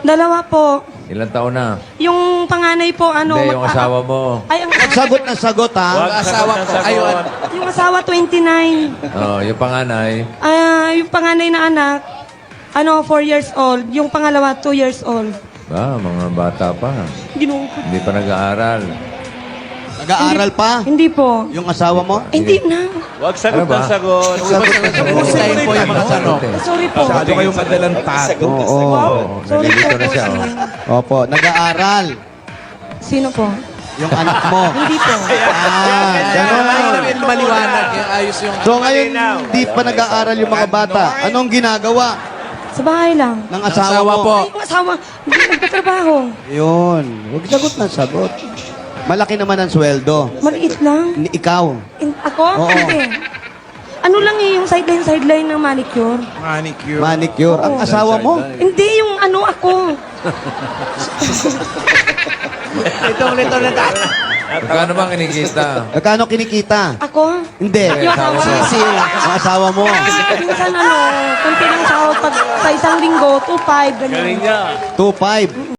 Dalawa po. Ilang taon na? Yung panganay po, ano... Hindi, yung asawa mo. Ay, ang Sagot na sagot, ha? Wag asawa ko. Ayun. yung asawa, 29. Oh, yung panganay. Yung panganay na anak, 4 years old. Yung pangalawa, 2 years old. Mga bata pa. Ginoo ko. Hindi pa nag-aaral. Nag-aaral pa? Hindi po. Yung asawa mo? Hindi na. Wag sagot Ano ba? ng sagot. Pustahin po yung mga tanong. Sorry po. Masyado kayong madalang tago. Oo. Sorry po. Nalilito na siya. Opo, nag-aaral. Sino po? Yung anak mo. Hindi po. Ganun. Maliwanag. Yung ayos yung... So ngayon, hindi pa nag-aaral yung mga bata. Anong ginagawa Sa bahay lang. ng asawa Asawa mo? po. Ay, yung asawa, hindi nagtatrabaho. Yun. Huwag sagot na sagot. Malaki naman ang sweldo. Maliit lang. Ikaw. Ako? Oo. Hindi. Ano lang yung sideline ng manicure. Manicure. Manicure. Ang Oo. asawa mo? Hindi, yung ako. Ito na tayo. Magkano bang kinikita? Magkano kinikita? Ako? Hindi. Yung asawa. Ang asawa mo. Minsan kunti lang sahod pag sa isang linggo, 2.5, ganyan. Galing niya. 2.5.